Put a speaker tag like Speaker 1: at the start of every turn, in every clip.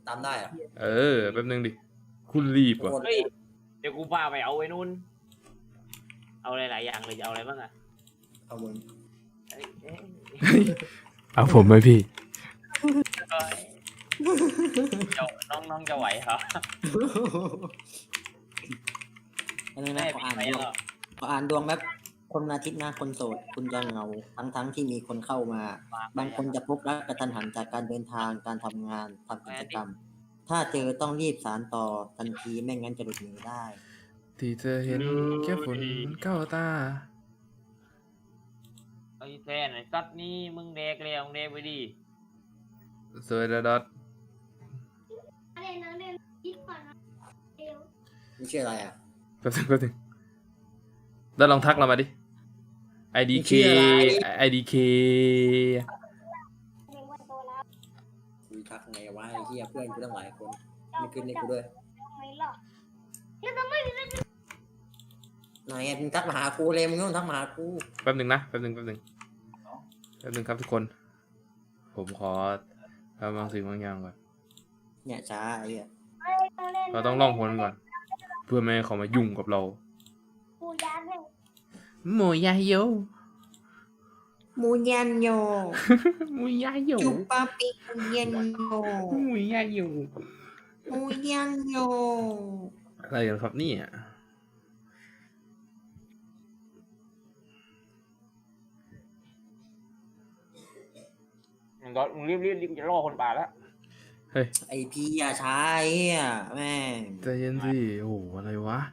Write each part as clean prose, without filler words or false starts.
Speaker 1: ตามได้อะ
Speaker 2: แป๊บนึงดิคุณรีบ
Speaker 1: ทุก
Speaker 2: ว่ะ
Speaker 1: คน
Speaker 3: เฮ้ยเดี๋ยวกูพาไปเอาไอ้นู่นเอาหลายๆอย่างเลยจะเอาอะไรบ้างอะ
Speaker 1: เอามึง
Speaker 3: เอ้ยเอ้ย
Speaker 2: เอาผมไหมพี่
Speaker 3: เอ้ยเจ้าน้องจะไหวเหรอ
Speaker 1: อันนี้
Speaker 3: แม่
Speaker 1: นะขอ
Speaker 3: พี่
Speaker 1: อ่าน
Speaker 3: ไหว
Speaker 1: ดวง
Speaker 3: เหรอ
Speaker 1: ขออ่านดวงแบบคนอาทิตย์หน้าคนโสด คุณจะเหงาทั้งที่มีคนเข้ามา บางคนจะพบรักกระทันหันจากการเดินทางการทำงานทำกิจกรรม ถ้าเจอต้องรีบสานต่อทันทีไม่งั้นจะหลุดหนีได้
Speaker 2: ที่เธอเห็นแค่ฝนเข้าตา
Speaker 3: ไอ้แฟนไอ้สัตว์นี่มึงเด็กแล้วมึงเด็กไปดิ
Speaker 2: สวยดอท
Speaker 4: อะไรนะเรียนคิดก่อนนะเดี๋ยว
Speaker 1: นี่ชื่ออะไรอ่ะ
Speaker 2: แป๊บนึงแล้วลองทักเรามาดิ IDK
Speaker 1: ชื่ออะไร
Speaker 2: IDK
Speaker 4: เรียนวันโตแล้ว
Speaker 1: คุยทักไงวะไอ้เหี้ยเพื่อนกูตั้งหลายคน ไม่ขึ้นให้กูด้วย
Speaker 4: ไม่หรอกแล้วทำไมถึงได้
Speaker 1: ไหนไงมึงทักมาหากูเลยมึงต้องทักมาหากู
Speaker 2: แป๊บนึงครับทุกคน ผมขอทำบางสิ่งบางอย่างก่อน
Speaker 1: เนี่ยช้าไอ้เหี้ย
Speaker 2: เราต้องล่องหนก่อน เพื่อไม่ให้เขามายุ่งกับเรา
Speaker 4: กูย้ายเลย
Speaker 2: โมยาโย
Speaker 1: มูยันโย
Speaker 2: โมยาโย
Speaker 1: จุปาปิมูยันโย
Speaker 2: โมยาโย
Speaker 1: มูยันโย
Speaker 2: อะไรกันครับเนี่ย
Speaker 3: มึงก็มึงรีบจะล่อคนป่าแล้ว
Speaker 1: ไอพี่อย่าช้าไอ้เหี้ยแม่ง
Speaker 2: ใจเย็นสิ โอ้โห อะไรวะ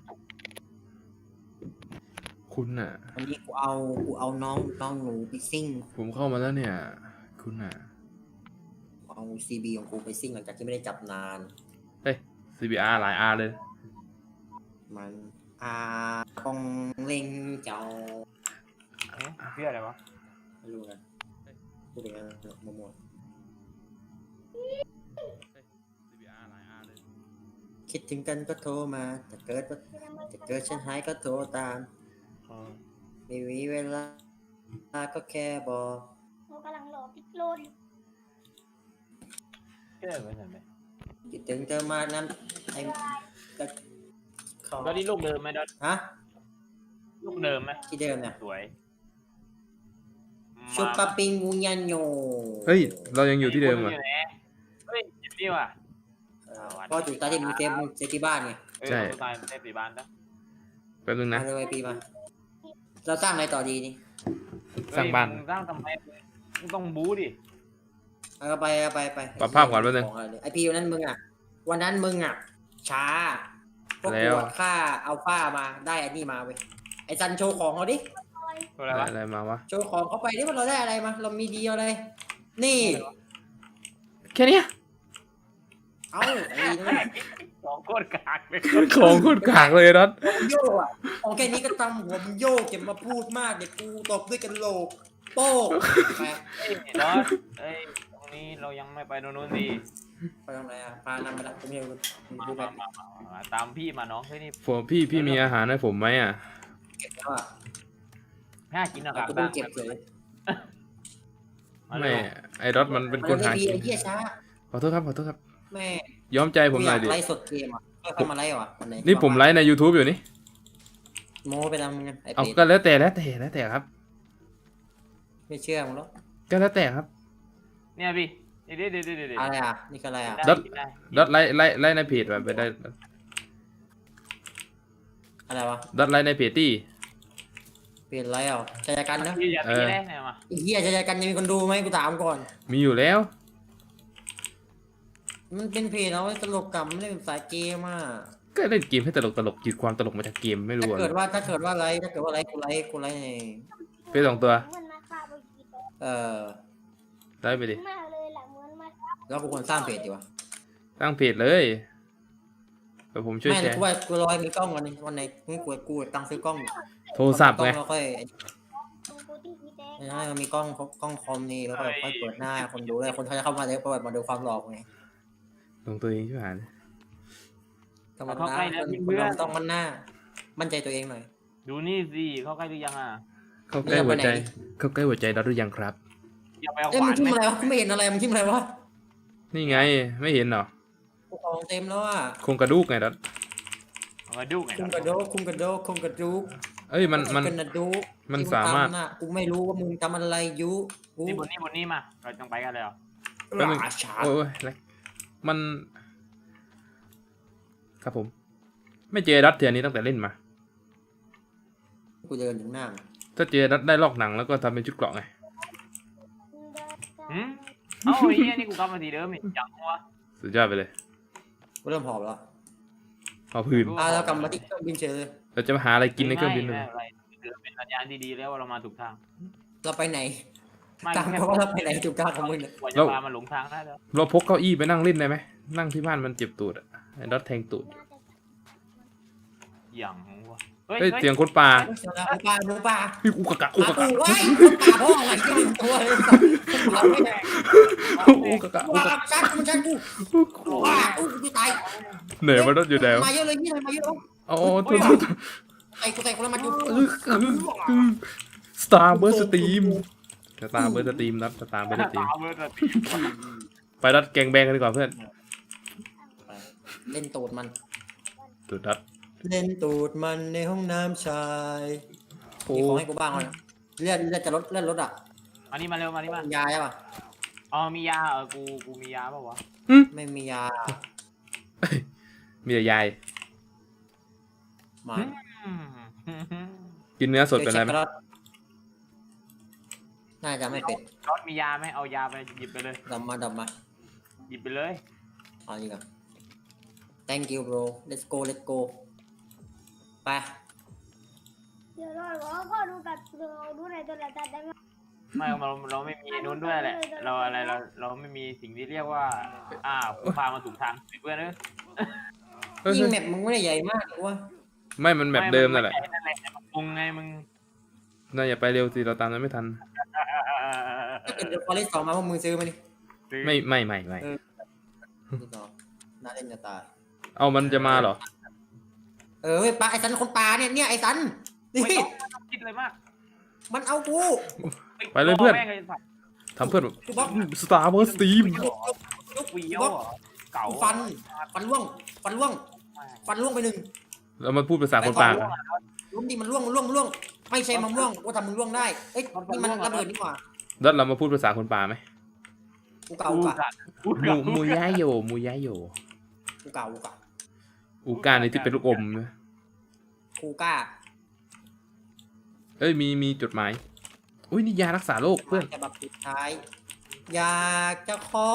Speaker 2: คุณน่ะ
Speaker 1: วันนี้กูเอาน้องหนูไปซิ่ง
Speaker 2: ผมเข้ามาแล้วเนี่ย คุณน่ะ
Speaker 1: เอาซีบีของกูไปซิ่งหลังจากที่ไม่ได้จับนาน
Speaker 2: CBR หลาย R เลย
Speaker 1: มันคงเล็งเจ้า
Speaker 3: เอ๊ะเพื่ออะไรวะ
Speaker 1: ไม่รู้กันพูดอย่างนั้นมั่ว
Speaker 2: CBR หลาย R เลย
Speaker 1: ๆคิดถึงกันก็โทรมาแต่เกิดฉันหายก็โทรตามไม่มีเวลาก็แค่บอก
Speaker 4: เรากำลังรอพิกโลดอยู่
Speaker 3: เพื่ออะไรวะ
Speaker 1: คิดถึงเธอมากนั้นไอ้ก็เขา
Speaker 3: ดอทนี่ลูกเดิมไหมดอท
Speaker 1: ฮะ
Speaker 3: ลูกเดิมไหม
Speaker 1: ที่เดิมเนี่ย
Speaker 3: สวย
Speaker 1: ชุบปะปิงมูยันโย
Speaker 2: เฮ้ย เรายังอยู่ที่เดิม
Speaker 3: อ่ะ
Speaker 2: อ่ะ
Speaker 3: เฮ้ยเจ็บนี่ว่ะ
Speaker 1: ก็จุดตาที่มึงเซฟที่บ้านไง
Speaker 2: ใช่
Speaker 3: เราตายเซฟปีบ้านนะ
Speaker 2: แป๊บนึงนะ
Speaker 1: มาเลยปีมาเราสร้างอะไรต่อดีนี่
Speaker 2: สร้างบ้าน
Speaker 3: เฮ้ยมึงสร้างทำไมมึงต้องบู๊ดิ
Speaker 1: เอาไป
Speaker 2: ปรับภาพก่อนแป๊บนึง
Speaker 1: ไอพีวันนั้นมึงอ่ะ วันนั้นมึงอ่ะ ช้าพวก
Speaker 2: แล้
Speaker 1: กู
Speaker 2: ว
Speaker 1: อะค่าเอาฝ้ามาได้อันนี้มาเว้ยไอซันโชว์ของเขาดิ
Speaker 3: ตัวอะไรวะ
Speaker 2: อะไรมาวะ
Speaker 1: โชว์ของเขาไปดิว่าเราได้อะไรมา เรามีดีอะไร นี่
Speaker 2: แค่เนี้ย
Speaker 1: เอ้าไอ้นี่
Speaker 3: ของโคตรกากเลย
Speaker 2: ของโคตรกากเลยนัด
Speaker 1: ผมโยกอ่ะของแค่นี้ก็ทำหัวมึงโยกเก็บมาพูดมากเดี๋ยวกูตบด้วยกันโหลกโป๊กไป
Speaker 3: เฮ้ยดอทเฮ้ยตรงนี้เรายังไม่ไปโน่นดิ
Speaker 1: ไปตรงไหนอ่ะพานำไปละผมเห็นมึง
Speaker 3: มา
Speaker 1: ดูแบบ
Speaker 3: มาตามพี่มาน้องเฮ้ยนี่
Speaker 2: ผมพี่มีอาหารให้ผมไหมอ่ะ
Speaker 1: เก็บแล้วอ่ะ
Speaker 3: น่ากินอะค
Speaker 1: เรา
Speaker 3: รับ
Speaker 1: ก็ต้องเก็บเลย
Speaker 2: ไม่ ไอ้ดอทมันเป็นคนหา
Speaker 1: ดี
Speaker 2: กิน
Speaker 1: ไอ้เหี้ยช้า
Speaker 2: ขอโทษครับ
Speaker 1: แม่
Speaker 2: ย้อมใจผมหน่อยดิ
Speaker 1: ไลฟ์สดเกมอ่ะค่อยๆมาไลฟ์อ่ะวันไห
Speaker 2: นี่ผมไลฟ์ใน YouTube อยู่นี่
Speaker 1: โม้ไปทำไงไอ้
Speaker 2: เอา
Speaker 1: เป็ด
Speaker 2: ก็แล้วแต่ครับ
Speaker 1: ไม่เชื่อมึงหรอก
Speaker 2: ก็แล้วแต่ครับ
Speaker 3: เนี่ยพี่เดี๋ยว
Speaker 1: อะไรอ่ะนี่คืออะไรอ่ะ
Speaker 2: ดอท ดอทไลฟ์ในเพจแบบไปได้
Speaker 1: อะไรวะ
Speaker 2: ดอทไลฟ์ในเพจตี้
Speaker 1: เปลี่ยนอะไรอ่ะชายกันนะ
Speaker 3: พี่อย่าตีได้เนี่ยมา
Speaker 1: ไอ้เหี้ยชายกันจะมีคนดูไหมกูถามก่อน
Speaker 2: มีอยู่แล้ว
Speaker 1: มันเป็นเพจเอาไว้ตลกกับไม่ได้เป็นสายเกมอ่ะ
Speaker 2: ก็เล่นเกมให้ตลกจิตความตลกมาจากเกมไม่รู้
Speaker 1: ถ้า
Speaker 2: อะ
Speaker 1: เกิดว่าไลฟ์กูไลฟ์ใน
Speaker 2: เพจสองตัว
Speaker 4: เหมือนมาฆ่าไปกี่ตัว
Speaker 2: ไลฟ์ไปดิ
Speaker 4: มากเลยแหละเหมือนมา
Speaker 1: แล้วกูควรสร้างเพจดีวะ
Speaker 2: ตั้งเพจเลยเดี๋ยวผมช่วย
Speaker 1: ไม่
Speaker 2: แชร์
Speaker 1: กูว่ากูรอให้มีกล้องวันไหนกูตังค์ซื้อกล้อง
Speaker 2: โทรศัพท์
Speaker 1: กล้อ
Speaker 2: ไง
Speaker 1: งแล้วค่อย
Speaker 4: ตรงกูที่พี่แดง
Speaker 1: ให้มันมีกล้องคอมนี่แล้วก็ค่อยเปิดหน้าคนดูเลยคนเขาจะเข้ามาเลยเปิดมาดูความหล่อไง
Speaker 2: ลงตัวเองช่วยหา
Speaker 1: ธรรมดาคนเราต้องมั่นหน้า มั่นใจตัวเองหน่อย
Speaker 3: ดูนี่สิเข้าใกล้หรือยังอ่ะ
Speaker 2: เข้าใกล้หัวใจ
Speaker 1: เนี่ยไปไหน
Speaker 2: เข้าใกล้หัวใจเราหรือยังครับ
Speaker 3: อย่าไปเอา
Speaker 1: เอ้ย
Speaker 3: ข
Speaker 1: มึ
Speaker 3: วาง น
Speaker 1: ทิม
Speaker 3: ไหม
Speaker 1: อะไรวะกูไม่เห็นอะไรมึงทิมอะไรวะ
Speaker 2: นี่ไงไม่เห็นเหรอ
Speaker 1: ของเต็มแล้วอ่ะ
Speaker 2: โครงกระดูกไงดัด
Speaker 3: เอามาดูไง
Speaker 1: คุมกระโดกคุมกระโดกคุมกระดูก
Speaker 2: เอ้ยมัน
Speaker 1: กระดูก
Speaker 2: มัน
Speaker 1: ที่ง
Speaker 2: สามารถ
Speaker 1: ทำน่ะกูไม่รู้ว่ามึงทำอะไรอยู่กู
Speaker 3: นี่บนนี่มาเราต้องไปกันเลยเหรอ
Speaker 2: แป๊บนึง
Speaker 1: ราชา
Speaker 2: โอ้ยอะไรมัน ครับผม ไม่เจอดัดเทียนนี้ตั้งแต่เล่นมา
Speaker 1: กูเดินถึงหน้า
Speaker 2: ถ้าเจอดัดได้ลอกหนังแล้วก็ทำเป็นชุดเกราะไง
Speaker 3: หืมเอ้าไอ้เหี้ยนี่กูกลับมาทีเดิมอีกจังวะ
Speaker 2: สุดยอดไปเลย
Speaker 1: กูเริ่มหอบแล้ว
Speaker 2: เอาพื้น
Speaker 1: เรากลับมาที่เครื่องบินเฉยเลย
Speaker 2: เราจะมาหาอะไรกินในเครื่องบินเลย
Speaker 3: ไม่อะไรถือเป็นสัญญาณที่ดีแล้วว่าเรามาถูกทาง
Speaker 1: เราไปไหน
Speaker 3: ไม่
Speaker 1: ตาม
Speaker 3: แค่
Speaker 1: เขาว่าเราไปไหนถูกทางของมึงเนี่ย
Speaker 3: กว่าจะพามาหลงทางได้แล้ว
Speaker 2: เราพกเก้าอี้ไปนั่งเล่นได้ไหมนั่งที่บ้านมันเจ็บตูดอะไอ้ดัดแทงตูด
Speaker 3: อย่างวะ
Speaker 2: เฮ้ยเสียงคนป่า
Speaker 1: หมูป่าหมูป่า
Speaker 2: พี่กูกะกะกู
Speaker 1: ป่าก
Speaker 2: ะ
Speaker 1: กู
Speaker 2: กะ
Speaker 1: ไว้คนป่าพ่ออะไรที่มึงตัวเลยป่าไม่แดง
Speaker 2: กูกะกะกู
Speaker 1: ว้าก
Speaker 2: ะ
Speaker 1: ชักมันชักกูว้ากูตาย
Speaker 2: เหนื่อยมันดัดอยู่แล้ว
Speaker 1: มาเยอะเลยนี่เลยมาเยอะแล้ว
Speaker 2: อ๋อโทษ
Speaker 1: ไอ้กูใส่คนละมาจุ
Speaker 2: สตาร์เบอร์สตรีมสตาร์เบอร์สตรีมครับสตาร์เบอร์สตรีม
Speaker 3: ตามเบอร์สติ
Speaker 2: ไปดัดแกงแบงกันดีกว่าเพื่อน
Speaker 1: เล่นตูดมัน
Speaker 2: ตูดดัด
Speaker 1: เล่นตูดมันในห้องน้ำชาย
Speaker 2: โอ้
Speaker 1: มีของให้กูบ้างเลยเลือดจะลดเลือดลดอ่ะ
Speaker 3: อันนี้มาเร็วมานี่มาย
Speaker 1: าใช่ป่ะ
Speaker 3: อ๋อมียากูมียาเปล่าวะ
Speaker 1: ไม่มียา
Speaker 2: มีแต่ยาย
Speaker 1: มา
Speaker 2: กินเนื้อสดเป็นไรไหม
Speaker 1: น่าจะไม่เป็น
Speaker 3: รถมียาไหมเอายาไปหยิบไปเลย
Speaker 1: ดำมา
Speaker 3: หยิบไปเลย
Speaker 1: เอาดีกว่า thank you bro let's go ไป
Speaker 4: เดี๋ยวเราก็ดูกับดูในโทรศัพท์ได้ไหม
Speaker 3: ไม่เราไม่มีนู้นด้วยแหละเราไม่มีสิ่งที่เรียกว่ากูพามาถูกทางเพื่อนเนอะ
Speaker 2: เฮ้ย
Speaker 1: ยิงแมปมึงไม่ได้ใหญ่มากวะ
Speaker 2: ไม่มันแบบเดิมนั่นแหละ
Speaker 3: มึงไงมึง
Speaker 2: น่าอย่าไปเร็วสิเราตามนั้นไม่ทัน
Speaker 1: ถ้าเกิดเดอะฟอเรสต์2มาพวกมึงซื้อมาดิ
Speaker 2: ไม่
Speaker 1: นี่ต่อน่าเล่นจะตาย
Speaker 2: เอามันจะมาเหรอ
Speaker 1: เฮ้ยปลาไอ้สันคนปลาเนี่ยไอ้สันนี่
Speaker 3: ไม่ต้องคิดเลยมาก
Speaker 1: มันเอากู
Speaker 2: ไปเลยเพื่อน ทำเพื่อน
Speaker 1: กูบล็อก
Speaker 2: สตาร์เบอร์สตรีม
Speaker 3: วีโอเก่า
Speaker 1: ฟันล่วงฟันล่วงไปหนึ่ง
Speaker 2: แล้วมันพูดภาษาคนป่ากัน
Speaker 1: ล้มดิมันล่วงไม่ใช่มันล่วงว่าทำมึงล่วงได้เอ้ยนี่มันระเบิดนี่หว่า
Speaker 2: ดัดเรามาพูดภาษาคนป่าไหม
Speaker 1: กูเก่า
Speaker 2: มูย่าโยมูย่าโย
Speaker 1: กูเก่า
Speaker 2: อูก้าในที่เป็นลูกอมนะ
Speaker 1: กูกล้า
Speaker 2: เอ้ยมีจดหมายอุ้ยนี่ยารักษาโรคเพื่อน
Speaker 1: จะแบบสุดท้ายอยากจะขอ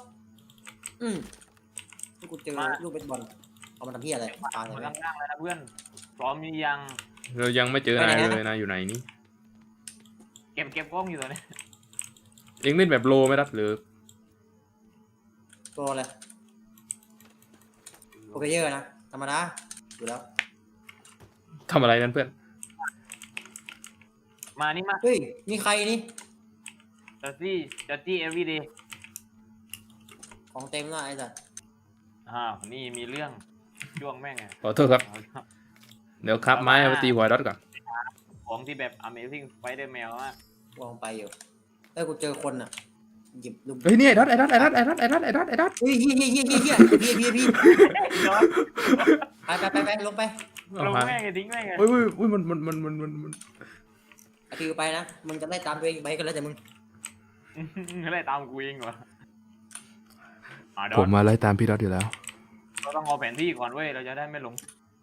Speaker 1: ที่กูเจอลูกเบสบอลเอามาทำเพี้ยอะไรตาย
Speaker 3: มา
Speaker 1: เลย
Speaker 3: นั่งเลยนะเพื่อนพร้อมยัง
Speaker 2: เรายังไม่เจอนายเลยนายอยู่ไหนนี่
Speaker 3: เก็บกล้องอยู่ตัวนี้
Speaker 2: เอ็งเล่นแบบโลไหมดัดหรือ
Speaker 1: ตัวอะไรโอเคเยอะนะธรรมดาอยู่แล้ว
Speaker 2: ทำอะไรนั่นเพื่อน
Speaker 3: มานี่มา
Speaker 1: เฮ้ยนี่ใครนี่
Speaker 3: จัดจี้ everyday
Speaker 1: ของเต็มแล้วไอ้สัส
Speaker 3: นี่มีเรื่องช่วงแม่งไง
Speaker 2: ขอโทษครับ เดี๋ยวครับไม้เอาไปตีหัวดัดก่อน
Speaker 3: ของที่แบบ amazing spider-man ว่าว
Speaker 1: างไปอยู่เอ้ยกูเจอคนอ่ะหยิบลูก
Speaker 2: เฮ้ยนี่ไอ้ดัดเฮ้ยเฮีย
Speaker 1: ไปลงไป
Speaker 3: ลงแม่งไงทิ้งแม่งไง
Speaker 2: เฮ้ยมัน
Speaker 1: ไอทีไปนะมึงจะไล่ตามตัวเองไปก็แล้วแต่มึง
Speaker 3: อะไรตามกูเองวะ
Speaker 2: ผมมาไล่ตามพี่ดัดอยู่แล้ว
Speaker 3: เราต้องเอาแผนที่ก่อนเว้ยเราจะได้ไม่หลง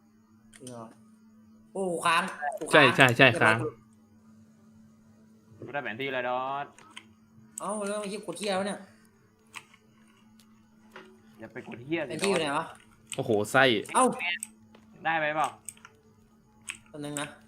Speaker 1: โอ้ค้าง
Speaker 2: ใช่ค้าง
Speaker 3: กูได้แผนที่เลยดอส
Speaker 1: เอ้าแล้วไอ้กดเที่ยวเนี่ย
Speaker 3: อย่าไปกดเฮีย
Speaker 1: เป็นที่อยู่ไหนวะ
Speaker 2: โอ้โหไส้
Speaker 1: เอ้า
Speaker 3: ได้ไหมเปล่า
Speaker 1: ตัวนึงนะ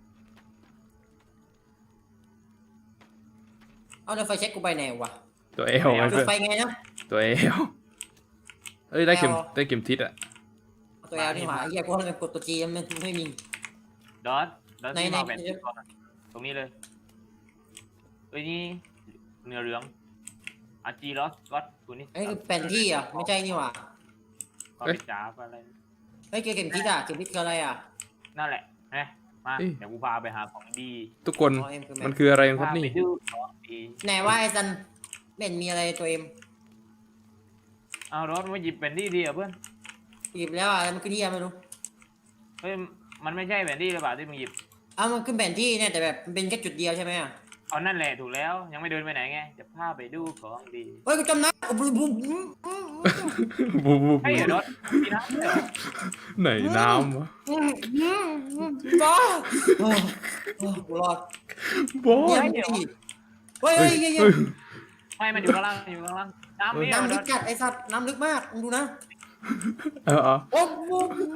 Speaker 1: เอาแล้วไฟเช็คกูไปไหนวะ
Speaker 2: ตัวเอลไง
Speaker 1: จุด
Speaker 2: เพื่อน
Speaker 1: ไฟไงนะ
Speaker 2: ตัวเอลเอ้ยได้เข็มทิศอะ
Speaker 1: ตัวแอลนี่หว่าไอ้เหี้ยกูเลยกดตัวจีมันไม่มี
Speaker 3: ดอสที่มาแผนที่ก่อนตรงนี้เลยเอ้ยนี่เนื้อเหลืองอาจีลอสก็ตัวนี้
Speaker 1: ไอ้แผนที่อ่ะไม่ใช่นี่หว่า
Speaker 3: ก็ไปจ้าอะไร
Speaker 1: ไอ้เข็มทิศอ่ะเข็มทิศคืออะไรอ่ะ
Speaker 3: นั่นแหละนะมาเดี๋ยวกูพาไปหาของดี
Speaker 2: ทุกคนมันคืออะไรครับนี่
Speaker 1: ไหนว่าไอ้ซันไม่เห็นมีอะไรตัวเอ็ม
Speaker 3: เอารถมาหยิบแผนที่ดีอ่ะเพื่อน
Speaker 1: หยิบแล้วอะไรมันขึ้นที่ไม่รู้
Speaker 3: เฮ้ยมันไม่ใช่แผนที่หรือเปล่าที่มึงหยิบ
Speaker 1: มันขึ้นแผนที่เนี่ยแต่แบบมันเป็นแค่จุดเดียวใช่ไหมอ่ะ
Speaker 3: เอานั่นแหละถูกแล้วยังไม่เดินไปไหนไงจะพาไปดูของดี
Speaker 1: เฮ้ยกูจำนะบูบูบู
Speaker 2: บูบู
Speaker 3: ให้เหรอรถมีน้ำเหรอ
Speaker 2: ไหนน้ำวะ
Speaker 1: บ้ากูรอด
Speaker 2: บอ
Speaker 1: เนี่ย
Speaker 2: ส
Speaker 1: มึงตีเฮ้ย
Speaker 2: เฮ้
Speaker 1: เฮ้
Speaker 2: ย
Speaker 1: ยเฮ้ย
Speaker 2: เฮ้ย
Speaker 3: ไม่มันอยู่ข้างล่างอยู่ข้างล่างน้ำเนี่ย
Speaker 1: น้ำ
Speaker 3: ร
Speaker 1: ลึก
Speaker 3: ถ
Speaker 1: จัดไอ้สัตว์น้ำลึกมากมึงดูนะ
Speaker 2: เออ
Speaker 1: โอ้โห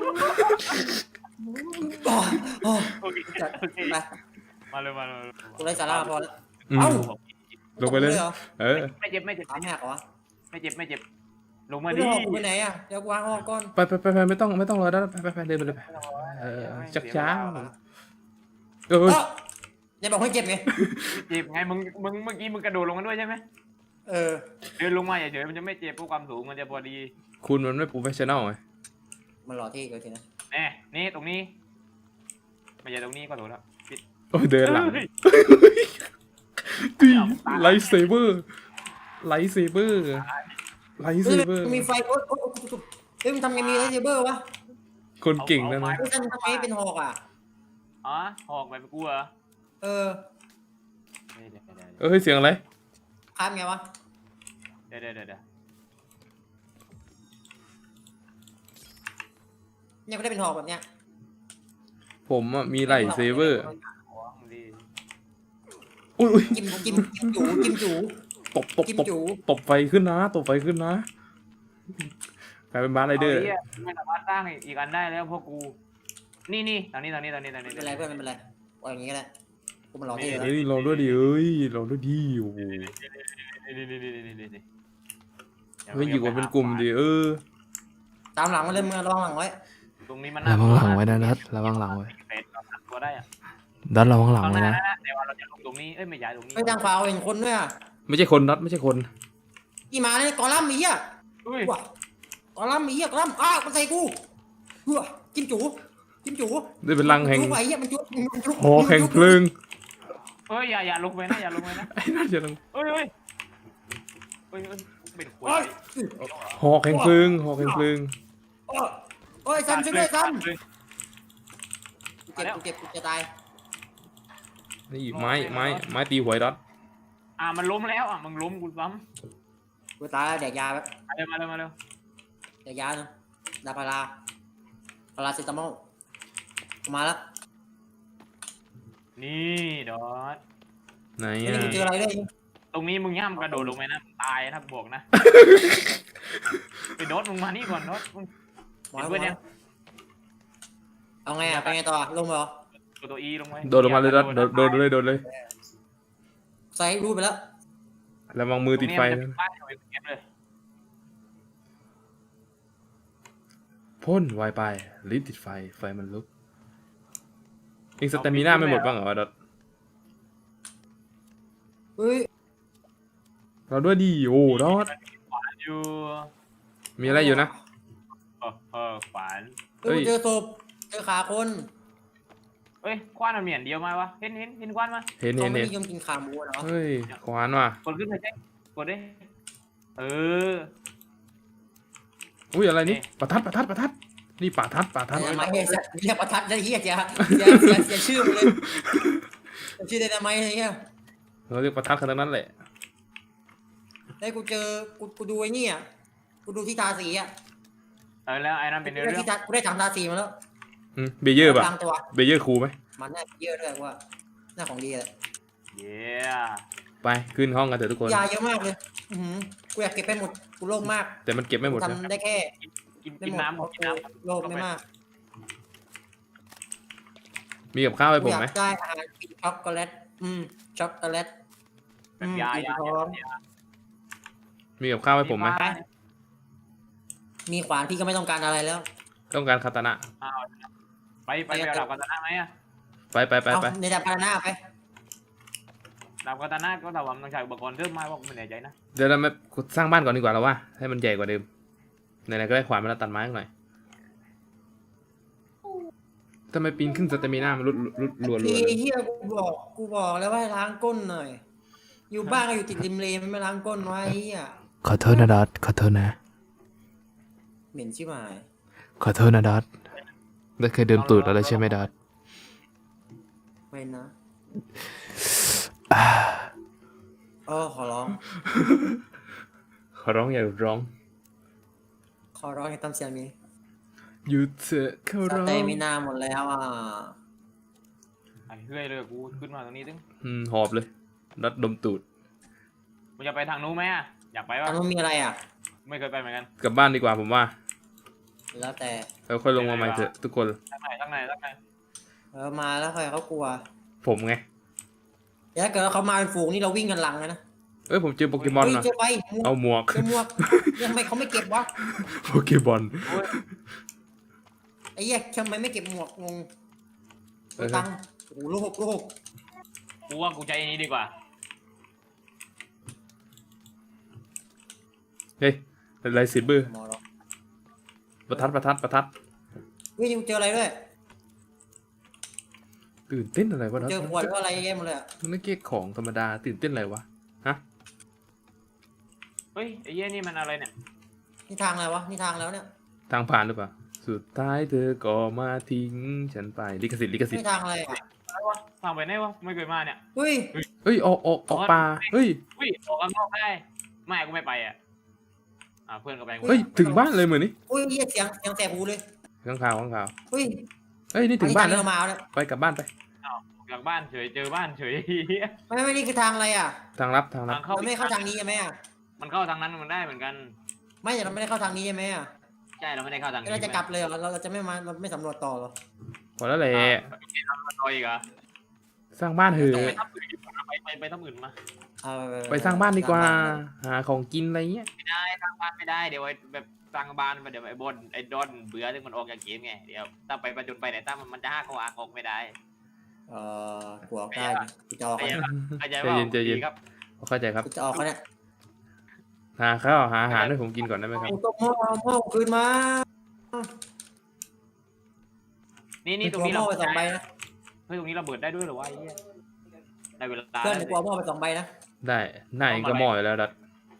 Speaker 3: โอเค
Speaker 1: จัด
Speaker 3: โอเค
Speaker 1: ไป
Speaker 3: มาเลยมาเลย
Speaker 1: กูไร้สาระพอแล้ว
Speaker 2: อืม
Speaker 1: เอ้า
Speaker 2: ลงไปเลย
Speaker 1: เหรอ
Speaker 2: เออ
Speaker 3: ไม่เจ็บไม่เจ็บ
Speaker 1: ถามแหกเหรอ
Speaker 3: ไม่เจ็บไม่เจ็บลง
Speaker 1: มา
Speaker 3: มา
Speaker 1: ดิ
Speaker 3: ดิ
Speaker 1: กูไปไหนอ่ะเดี๋ยวกูวางออกก่อน
Speaker 2: ไปไม่ต้องรอแล้วไปเดินไปเลยไปเออชักช้าเออ
Speaker 1: เนี่ยบอกให้เจ็บไง
Speaker 3: เจ็บไงมึงเมื่อกี้มึงกระโดดลงมาด้วยใช่ไหม
Speaker 1: เออ
Speaker 3: เดินลงมาเฉยๆมันจะไม่เจ็บเพราะความสูงมันจะพอดี
Speaker 2: คุณมันไม่โปรเฟชชั่นอลไง
Speaker 1: มันหล่อเท่เกินทีนะ
Speaker 3: แน่นี่ตรงนี้ไม่ใช่ตรงนี้ก็ถูกแล้วปิด
Speaker 2: โอ้ยเดินหลัง
Speaker 3: เฮ้ย
Speaker 2: ตีไลท์เซเบอร์ไลท์เซเบอร์ไลท์
Speaker 1: เฮ้
Speaker 2: เซ
Speaker 1: ย
Speaker 2: เบอร์
Speaker 1: มีไฟโอ๊ยเฮ้ยมันทำไงมีไรเซเบอร์วะ
Speaker 2: คนเก่งนะนะ
Speaker 1: เฮ้ยท่านทำไมเป็นหอกอ่ะ
Speaker 3: อ๋อหอกไปกูเหรอ
Speaker 1: เออ
Speaker 3: เดี๋ยว
Speaker 2: เออเสียงอะไร
Speaker 1: ข้ามไงวะ
Speaker 3: เดี๋ยว
Speaker 1: เนี่ยก็ได้เป็นหอกแบบเนี้ย
Speaker 2: ผมอ่ะมีไลท์เซเบอร์
Speaker 3: ของดี
Speaker 2: อุ้ย
Speaker 1: จิ้มจู จิ้มจู
Speaker 2: ตบไฟขึ้นนะตบไฟขึ้นนะกลายเป็นบาร์ไรเดอร์
Speaker 3: าหี้ยไม่สามารถสร้างอีกอันได้แล้วเพราะกู นี่ทางนี้
Speaker 1: ไม่เป็นไรเพื่อนไม่เป็นไรปล่อยอย่างงี้ก็ได้กูมันหล่อเท่
Speaker 2: เฮ้ยลองด้วยดิเอ้ยลองด้วยดิโอ้โห
Speaker 3: นี่
Speaker 2: เฮ้ยอยู่กันเป็นกลุ่มดิเออ
Speaker 1: ตามหลังมาเลยมึงระวังหลังไว้
Speaker 3: ตรงนี้มัน
Speaker 5: ระวังหลังไว้นะนัดระวังหลังไว้
Speaker 3: เป็ดเราตัดตัวได้อะ
Speaker 5: นัดระวังหลัง
Speaker 3: ตรง
Speaker 5: ไว้
Speaker 3: นั้น
Speaker 5: นะ
Speaker 3: แต่ว่าเราจะลงตรงนี้เอ้ยไม่ย้ายตรงนี้
Speaker 1: เฮ้ยทางขวาเห็นคนด้วยอ่ะ
Speaker 2: ไม่ใช่คนนัดไม่ใช่คน
Speaker 1: อีหมาเนี่ยกอลัมน์ไอ้เหี้ย
Speaker 3: อุ้ย
Speaker 1: ว้ากอลัมน์ไอ้เหี้ยกอลัมน์มันใส่กูหัวจิ้มจู
Speaker 2: ได้เป็นรังแห่ง
Speaker 1: จุ๊บไอ้เหี้ยมันจุ๊บ
Speaker 2: หอแห่งเพลิง
Speaker 3: เอ้ยอย่าลงไปนะอย่าลงไปนะ
Speaker 2: ไอ้นั่นจะลง
Speaker 3: เอ้ยเป็นขว
Speaker 1: โอ้ย
Speaker 2: หอกแห่งเพลิงหอกแห่งเพลิง
Speaker 1: โอ้ยซ้ำช่วยด้วยซ้
Speaker 3: เลย
Speaker 1: ำกูเจ็บกูจะตาย
Speaker 2: นี่ไม้ตีหวยรัด
Speaker 3: มันล้มแล้วมึงล้มกูซ้
Speaker 1: กูตายแล้วแดกยาแบบ
Speaker 3: ำมาเร็ว
Speaker 1: แดกยาเนาะดาพาราเซตามอลมาแล้ว
Speaker 3: นี่ดอท
Speaker 2: ไหน
Speaker 1: นี่
Speaker 2: อ่ะ
Speaker 1: กูเจออะไรด้วย
Speaker 3: ตรงนี้มึงย่ำกระโดดลงไปนะตายนะบอกนะไปโดดมึงมานี่ก่อนโดดมึง
Speaker 1: หมอ
Speaker 3: เพื่อนเนี่ย
Speaker 1: เอาไงอ่ะไปไงต่อลงเหรอ
Speaker 3: ตัวอีลงไป
Speaker 2: โดดลงมาเลยรัดโดดเลย
Speaker 1: ใส่รูปไปแล้ว
Speaker 2: ระวังมือติดไฟ
Speaker 3: นะ
Speaker 2: นะ
Speaker 3: บ้านเอาไปเก็บเลย
Speaker 2: พ่นไวไปลิ้นติดไฟมันลุกเองสเตมิน่าไม่หมดบ้างเหรอรัด
Speaker 1: เฮ้ย
Speaker 2: เราด้วยดิโอ้รอด
Speaker 3: อยู่
Speaker 2: มีอะไรอยู่นะ
Speaker 3: ขวาน
Speaker 1: เฮ้ยกูเจอศพเจอขาคน
Speaker 3: เอ้ยควานมันเหมียนเดียวมาวะเห็นควานมา
Speaker 2: เห็น
Speaker 1: เขาไม่นิยมกินขาหมูเหรอ
Speaker 2: เฮ้ยขวานว่ะ
Speaker 3: กดขึ้นไปใช่กดดิเออ
Speaker 2: อุ้ยอะไรนี่ประทัดนี่ประทัด
Speaker 1: ทำไมเรียกประทัดได้เหี้ยเสียชื่อมันเลยชื่อได้ทำไมไอ้เหี้ย
Speaker 2: เราเรียกประทัดขนาดนั้นแหละ
Speaker 1: ได้กูเจอกูดูไอ้นี่อ่ะกูดูที่ทาสีอ่ะ
Speaker 3: แล้วไอ้นั่นเป็นเรื่อง
Speaker 1: กูได้ถังทาสีมาแล้ว
Speaker 2: เบเยอร์ป่ะ
Speaker 1: กลางตัว
Speaker 2: เบเยอร์คูลไหม
Speaker 1: มันน่าเยอะด้วยว่าหน้าของดีเลย
Speaker 3: เย้
Speaker 2: ไปขึ้นห้องกันเถอะทุกคน
Speaker 1: ยาเยอะมากเลยกูอยากเก็บไปหมดกูโล่งมาก
Speaker 2: แต่มันเก็บไม่หมดนะ
Speaker 1: ทำได้แค่
Speaker 3: กินน้ำกินน้ำ
Speaker 1: โล่งไม่มาก
Speaker 2: มีกับข้าวให้
Speaker 1: กู
Speaker 2: ผม
Speaker 1: อยา
Speaker 2: ไหม
Speaker 1: กได้อาหารกินช็อกโกแลตช็อกโกแลต
Speaker 3: แบบยา
Speaker 2: มีกับข้าวให้ผมไหม
Speaker 1: มีขวานพี่ก็ไม่ต้องการอะไรแล้ว
Speaker 2: ต้องการคาตานะ
Speaker 3: ไปเอาดาบกาตานะไหมอะ
Speaker 2: ไป
Speaker 1: เอาในดาบพาราหน้าไป
Speaker 3: ดาบกาตานะก็ถามว่ามันใช้อุปกรณ์เพิ่มไหมว่าไม่แน่ใจนะ
Speaker 2: เดี๋ยวเรามาสร้างบ้านก่อนดีกว่าแล้วว่าให้มันใหญ่กว่าเดิมไหนๆก็ได้ขวานมาแล้วตัดไม้หน่อยทำไมปีนขึ้นสเตมิน่ามันรัว
Speaker 1: พี่เฮียกูบอกแล้วว่าให้ล้างก้นหน่อย อยู่บ้านก็อยู่ติดริมเลมันไม่ล้างก้นไว้เฮีย
Speaker 5: ขอโทษนะนัดขอโทษนะ
Speaker 1: เหม็นชิบหาย
Speaker 5: ขอโทษนะดัตได้เคยดื่มตูดอะไรใช่ไหมดัต
Speaker 1: ไม่นะขอร้อง
Speaker 2: ขอร้องอย่าร้อง
Speaker 1: ขอร้องอย่าทำเสียงนี้
Speaker 2: หยุดเถอะขอ
Speaker 1: ส
Speaker 2: ร้อง
Speaker 1: เตมินาหมดแล้วอ่ะ
Speaker 3: ไอ้เฮ้ยเลยกูขึ้นมาตรงนี้ตึ้ง
Speaker 2: หอบเลยดัดดมตูด
Speaker 3: มึงจะไปทางนู้นไหมอะอยากไป
Speaker 1: อั
Speaker 3: วะ
Speaker 1: นนู้นมีอะไรอ่ะ
Speaker 3: ไม่เคยไปเหมือนกัน
Speaker 2: กลับบ้านดีกว่าผมว่า
Speaker 1: แล้วแต่
Speaker 2: เราค่อยลงมาใหม่เถอะทุกคน
Speaker 3: ทางไหน
Speaker 1: มาแล้วใครเขากลัว
Speaker 2: ผมไง
Speaker 1: ถ้าเกิดเขามาเป็นฝูงนี่เราวิ่งกันหลังเลยนะ
Speaker 2: ผมเจอโปเกมอน
Speaker 1: เฮ้ย
Speaker 2: นะ
Speaker 1: เจอไปหมวก
Speaker 2: เอาหมวก
Speaker 1: เจอหมวกยังไมเขาไม่เก็บวะ
Speaker 2: โปเกมอน
Speaker 1: ไอ้เหี้ยทำไมไม่เก็บหมวกงงตังค์โอ้โหลูก6
Speaker 3: กูว่ากูใจอันนี้ดีกว่า
Speaker 2: เฮ้ยอะไรสิบื้อ
Speaker 1: หมอหรอ
Speaker 2: ประทัด
Speaker 1: เฮ้ยเจออะไรด้วย
Speaker 2: ตื่นเต้นอะไรวะดัด
Speaker 1: เจอขวดก็อะไรแย่หมดเลยอะ
Speaker 2: มันไม่เกี่ยของธรรมดาตื่นเต้นอะไรวะ
Speaker 3: เฮ้ยไอ้เหี้ยนี่มันอะไรเนี่ย
Speaker 1: นี่ทางอะไรวะนี่ทางแล้วเนี่ย
Speaker 2: ทางผ่านหรือเปล่าสุดท้ายเธอก็มาทิ้งฉันไปลิขสิทธิ์
Speaker 1: นี่ทางอะไรอ่ะ
Speaker 3: อะไรวะทางไปไหนวะไม่เคยมาเนี่ย
Speaker 1: เฮ้ย
Speaker 2: เฮ้ยออกป่าเฮ้ย
Speaker 3: อุ้ยออกข้างนอกได้ไม่กูไม่ไปอ่ะเพื่อนก็ไปกู
Speaker 2: เฮ้ยถึงบ้านเลยเหมือนนี่
Speaker 1: อุ้ยเหี้ยเสียงแสบหูเลย
Speaker 2: ข้างข่าว
Speaker 1: เฮ้ย
Speaker 2: เฮ้ยนี่ถึงบ้านแล้ว
Speaker 1: อัทางเดินมาแล้ว
Speaker 2: ไปกลับบ้านไป
Speaker 3: ออกจากบ้านเฉยเจอบ้านเฉย
Speaker 1: ไม่นี่คือทางอะไรอ่ะ
Speaker 2: ทางลับ
Speaker 3: ทางเข้า
Speaker 1: เราไม่เข้าทางนี้ใช่ไหมอ่ะ
Speaker 3: มันเข้าทางนั้นมันได้เหมือนกัน
Speaker 1: ไม่แต่เราไม่ได้เข้าทางนี้ใช่ไหมอ่ะ
Speaker 3: ใช่เราไม่ได้เข้าทางนี้
Speaker 1: เราจะกลับเลยเหรอเราจะไม่มาเราไม่สำรวจต่อเหรอ
Speaker 2: พอแล้วแหละ
Speaker 3: ต่ออีกเหรอ
Speaker 2: สร้างบ้านเถอะ
Speaker 3: ไปทับอื่นดีกว่าไปทับอื่นมา
Speaker 1: เอา
Speaker 2: ไปสร้างบ้านดีกว่าหาของกินอะไรเงี้ย
Speaker 3: ไม่ได้สร้างบ้านไม่ได้เดี๋ยวแบบสร้างบ้านเดี๋ยวไอ้บนไอ้ดอนเบื่อที่มันออกจากเกมไงเดี๋ยวถ้าไปประจุไปไหนถ้ามันจะห้าเขาออกไม่ได้
Speaker 1: กลัวได้กูจะออกเขาเนี่ย
Speaker 3: เข้าใจว่าดีครับ
Speaker 2: เข้าใจครับ
Speaker 1: กูจะออกเขาเนี่ย
Speaker 2: หาข้าวหาอาหารให้ผมกินก่อนได้ไหมครับ
Speaker 1: กูต้องหม้อคืนมา
Speaker 3: นี่ตรงนี้
Speaker 1: หม้
Speaker 3: เรา
Speaker 1: อไป2 ใบนะ
Speaker 3: เฮ้ยตรงนี้เราเบิดได้ด้วยหรอวะไอ้เหี้ยได้เวลา
Speaker 1: เพื่อนกูเอาหม้อไป2 ใบนะ
Speaker 2: ได้หน้าเองก็หม้ออยู่แล้วดัด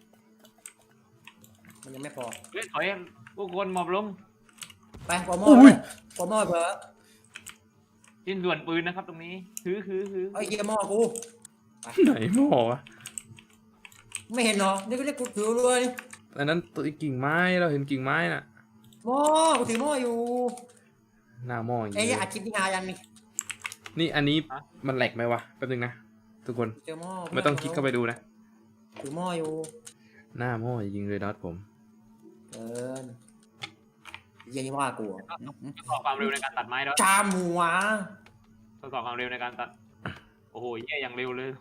Speaker 1: มันยังไม่พอ
Speaker 3: เฮ้ยถอยผู้คนหมอบลง
Speaker 1: ไปกูเอาหม้อเลยกูเอาหม้อเผื่อ
Speaker 3: ชิ้นส่วนปืนนะครับตรงนี้คือ
Speaker 1: ไอ้เหี้ยหม้อกู
Speaker 2: ไหนหม้อวะ
Speaker 1: ไม่เห็นเหรอนี่ก็เรียกกูถือเลย
Speaker 2: อันนั้นตัวกิ่งไม้เราเห็นกิ่งไม้น่ะ
Speaker 1: หม้อกูถือหม้ออยู่
Speaker 2: หน้าหม้ออย่าง
Speaker 1: ไอ้
Speaker 2: นี้
Speaker 1: อัดคลิปนี่ฮายังนี่
Speaker 2: นี่อันนี้มันแหลกไหมวะแป๊บนึงนะทุกคน
Speaker 1: เจอหม้อ
Speaker 2: ไม่ต้องคลิกเข้าไปดูนะ
Speaker 1: ถือหม้ออยู่
Speaker 2: หน้าหม้อจริงเลยดัดผม
Speaker 1: เกินเยี่ยนี่ว่ากู
Speaker 3: ทดสอบความเร็วในการตัดไม้แล้ว
Speaker 1: จามหัว
Speaker 3: ทดสอบความเร็วในการตัดโอ้โหเหี้ยอย่างเร็วเลย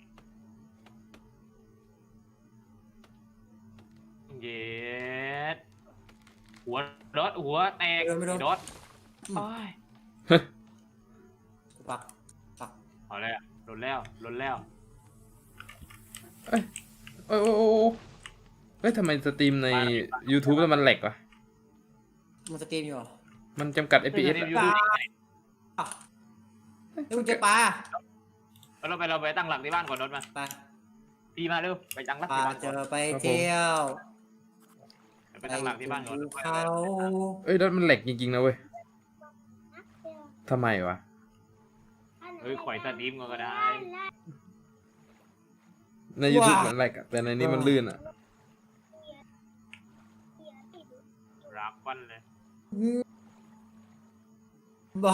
Speaker 3: เย็ดหัวรถหัวแตกรถโอ้ย
Speaker 1: ปัก
Speaker 3: เอาแล้วลดแล้ว
Speaker 2: โอ้เฮ้ยทำไมสตรีมใน YouTube แล้วมันแหลกวะ
Speaker 1: มันสตรีมอยู่เหรอ
Speaker 2: มันจำกัด FPS อะ
Speaker 1: เฮ้ยมึงเจอปลา
Speaker 3: เราไปตั้งหลักที่บ้านก่อนรถมา
Speaker 1: ไป
Speaker 3: พี่มาเร็วไปตั้งหลัก
Speaker 1: ปลา
Speaker 3: ที่บ้าน
Speaker 1: เจ
Speaker 3: ก่อน
Speaker 1: อไปเที่ยว
Speaker 3: ไปตั้งหลักที่บ้านก่อน
Speaker 1: เขา
Speaker 2: เอ้ยดัดมันแหลกจริงๆนะเว้ยทำไมวะ
Speaker 3: ข่อยสตรีมก็ได้
Speaker 2: ใน YouTube มันแหลกอะแต่ในนี้มันลื่นอะ
Speaker 3: รักฟันเลย
Speaker 1: บ้า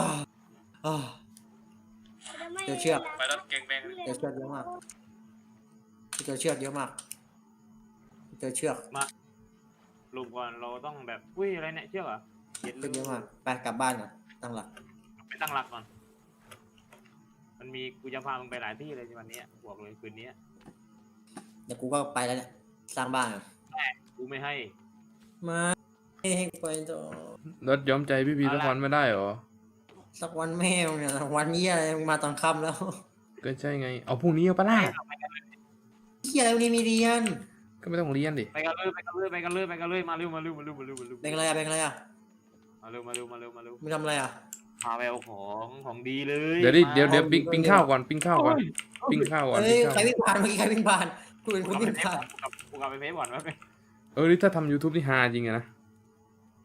Speaker 1: เจอเชือก
Speaker 3: ไปแล้วเก่งแบง
Speaker 1: เจอเชือกเยอะมากเจอเชือกเยอะมากเจอเชือก
Speaker 3: ลุงก่อนเราต้องแบบอุ้ยอะไรเนี่ยเชือกเหรอเย็ด
Speaker 1: เชือกเยอะมากไปกลับบ้านก่อนตั้งหลัก
Speaker 3: ไปตั้งหลักก่อนมันมีกูจะพามึงไปหลายที่เลยวันนี้บอกเลยคืนนี้
Speaker 1: เดี๋ยวกูก็ไปแล้วเนี่ยสร้างบ้านก่อน
Speaker 3: กูไม่ให้
Speaker 1: มาให้ไปต่อ
Speaker 2: ดัดยอมใจพี่พีสักวันไม่ได้หรอ
Speaker 1: สักวันแม่งเนี่ยวันนี้อะไรมึงมาตอนค่ำแล้ว
Speaker 2: ก็ใช่ไงเอาพรุ่งนี้เอาปะล่ะ
Speaker 1: เฮียอะไรวันนี้มีเรียน
Speaker 2: ก็ไม่ต้องเรียนดิ
Speaker 3: ไปกันเลยมาเร็วมาเร็ว
Speaker 1: เป็นอะไรอะเป็นอะไรอะ
Speaker 3: มาเร็ว
Speaker 1: มึงทำอะไรอะ
Speaker 3: พาไปเอาของดีเลย
Speaker 2: เดี๋ยวปิ้งข้าวก่อนปิ้งข้าวก่อน
Speaker 1: เฮ้ยใครวิ่งผ่านเมื่อกี้ใครวิ่งผ่านกูเห็นคนวิ่งผ่าน
Speaker 3: กูกลับไปเพจก่อนว่าไป
Speaker 2: นี่ถ้าทำ YouTube นี่ฮาจริงอะนะ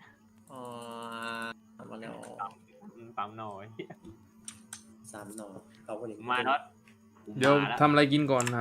Speaker 3: 3 หน่อย
Speaker 1: 3 หน่อเขาก็เลย
Speaker 3: มาน็อต
Speaker 2: เดี๋ยว
Speaker 3: มาละ
Speaker 2: ทำอะไรกินก่อน